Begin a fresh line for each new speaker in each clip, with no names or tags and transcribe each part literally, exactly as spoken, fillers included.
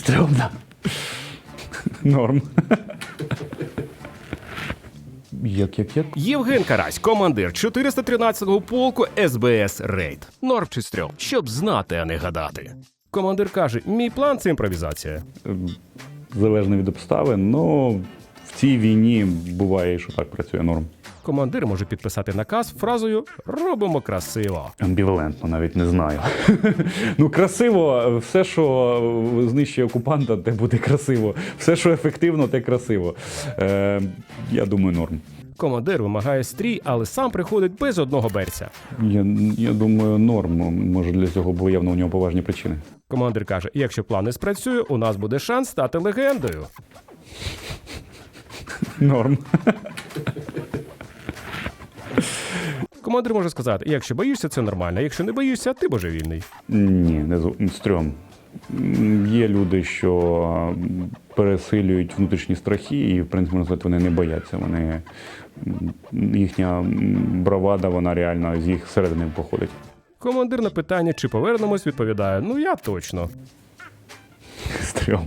Стрьомно. Норм. Як, як, як?
Євген Карась, командир чотириста тринадцятого полку ес бе ес «Рейд». Норм чи стрьом? Щоб знати, а не гадати. Командир каже, мій план – це імпровізація.
Залежно від обставин, но в цій війні буває, що так працює норм.
Командир може підписати наказ фразою «робимо красиво».
Амбівалентно, навіть не знаю. Ну, красиво, все, що знищує окупанта, те буде красиво. Все, що ефективно, те красиво. Е, я думаю, норм.
Командир вимагає стрій, але сам приходить без одного берця.
Я, я думаю, норм. Може, для цього було явно у нього поважні причини.
Командир каже, якщо план не спрацює, у нас буде шанс стати легендою.
Норм.
Командир може сказати, якщо боїшся, це нормально, якщо не боїшся, ти божевільний.
Ні, не зо- стрьом. М, Є люди, що пересилюють внутрішні страхи, і, в принципі, можна сказати, вони не бояться. Вони, м, їхня м, бравада, вона реально з їх середини походить.
Командир на питання, чи повернемось, відповідає, ну я точно.
Стрьом.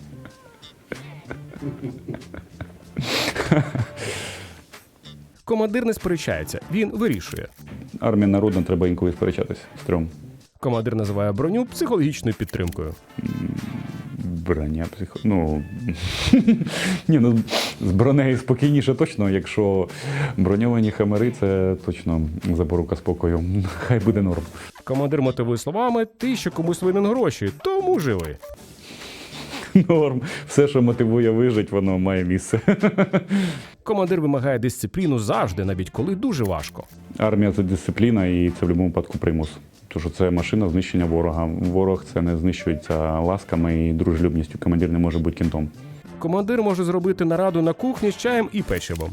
Командир не сперечається, він вирішує.
Армія народна, треба інколи сперечатися. Стрьом.
Командир називає броню психологічною підтримкою.
Броня, психо... Ну, ні, ну, з бронею спокійніше точно, якщо броньовані хамери, це точно запорука спокою. Хай буде норм.
Командир мотивує словами, ти ще комусь винен гроші, тому живи.
Норм. Все, що мотивує вижити, воно має місце.
Командир вимагає дисципліну завжди, навіть коли дуже важко.
Армія – це дисципліна, і це в будь-якому випадку примус. Тому що це машина знищення ворога. Ворог це не знищується ласками і дружелюбністю. Командир не може бути кінтом.
Командир може зробити нараду на кухні з чаєм і печивом.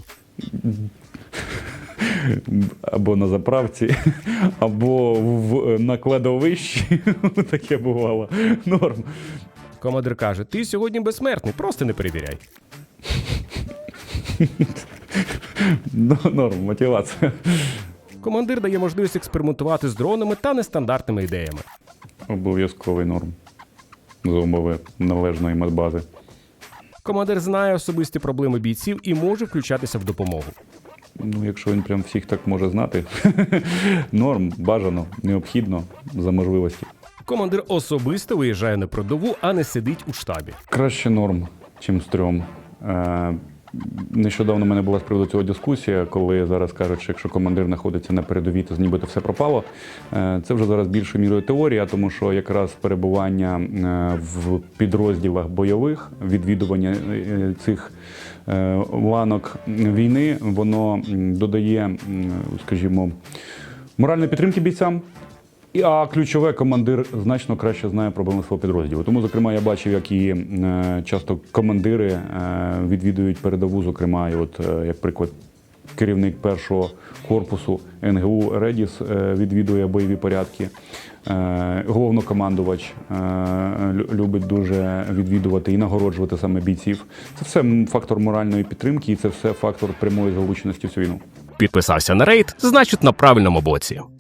Або на заправці, або в, на кладовищі. Таке бувало. Норм.
Командир каже, ти сьогодні безсмертний, просто не перевіряй.
Ну, норм, мотивація.
Командир дає можливість експериментувати з дронами та нестандартними ідеями.
Обов'язковий норм. За умови належної медбази.
Командир знає особисті проблеми бійців і може включатися в допомогу.
Ну, якщо він прям всіх так може знати, норм, бажано, необхідно, за можливості.
Командир особисто виїжджає на передову, а не сидить у штабі.
Краще норм, чим стрьом. Е, нещодавно в мене була з приводу цього дискусія, коли зараз кажуть, що якщо командир знаходиться на передовій, то нібито все пропало. Е, це вже зараз більшою мірою теорія, тому що якраз перебування е, в підрозділах бойових, відвідування е, цих е, ланок війни, воно додає, скажімо, моральної підтримки бійцям. А ключове, командир значно краще знає проблеми свого підрозділу. Тому, зокрема, я бачив, як і е, часто командири е, відвідують передову, зокрема, і от, е, як приклад, керівник першого корпусу ен ге у «Редіс» е, відвідує бойові порядки. Е, головнокомандувач е, любить дуже відвідувати і нагороджувати саме бійців. Це все фактор моральної підтримки і це все фактор прямої залученості в цю війну.
Підписався на рейд, значить на правильному боці.